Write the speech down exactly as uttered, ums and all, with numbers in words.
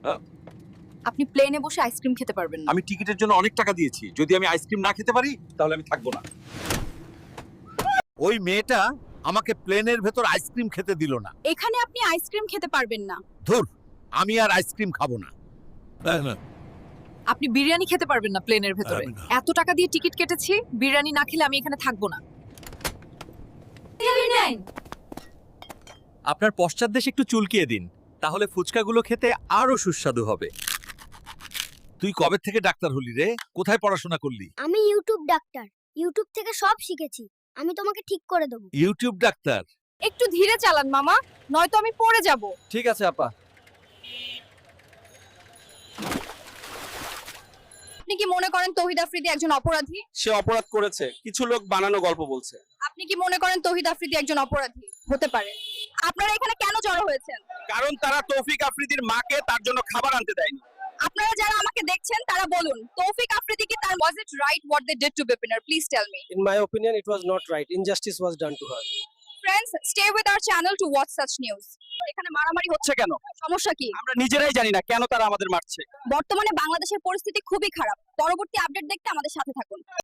আপনি প্লেনে বসে আইসক্রিম খেতে পারবেন না। আমি টিকিটের জন্য অনেক টাকা দিয়েছি, যদি আমি আইসক্রিম না খেতে পারি তাহলে আমি থাকবো না। ওই মেয়েটা আমাকে প্লেনের ভেতর আইসক্রিম খেতে দিল না। এখানে আপনি আইসক্রিম খেতে পারবেন না। ধুর, আমি আর আইসক্রিম খাবো না। আপনি বিরিয়ানি খেতে পারবেন না প্লেনের ভেতরে। আমি না। এত টাকা দিয়ে টিকিট কেটেছি, বিরিয়ানি না খেলে আমি এখানে থাকবো না। আপনার পশ্চাৎদেশে একটু চুলকিয়ে দিন, তাহলে ফুচকাগুলো খেতে আরো সুস্বাদু হবে। তুই কবে থেকে ডাক্তার হলি রে? কোথায় পড়াশোনা করলি? আমি ইউটিউব ডাক্তার, ইউটিউব থেকে সব শিখেছি। আমি তোমাকে ঠিক করে দেবো। ইউটিউব ডাক্তার? একটু ধীরে চালান মামা, নয়তো আমি পড়ে যাব। ঠিক আছে আপা। আপনি কি মনে করেন তৌহিদ আফ্রিদি একজন অপরাধী? সে অপরাধ করেছে, কিছু লোক বানানো গল্প বলছে। আপনি কি মনে করেন তৌহিদ আফ্রিদি একজন অপরাধী? হতে পারে। আপনারা এখানে কেন জড়ো হয়েছেন? কারণ তারা তৌফিক আফ্রিদির মাকে তার জন্য খাবার আনতে দেয়নি। আপনারা যারা আমাকে দেখছেন তারা বলুন, তৌফিক আফ্রিদি কি তার was it right what they did to Bipinar? Please tell me. In my opinion, it was not right. Injustice was done to her. Friends, stay with our channel to watch such news. এখানে মারামারি হচ্ছে হচ্ছে কেন? সমস্যা কি? আমরা নিজেরাই জানি না কেন তারা আমাদের মারছে। বর্তমানে বাংলাদেশের পরিস্থিতি খুবই খারাপ। পরবর্তী আপডেট দেখতে আমাদের সাথে থাকুন।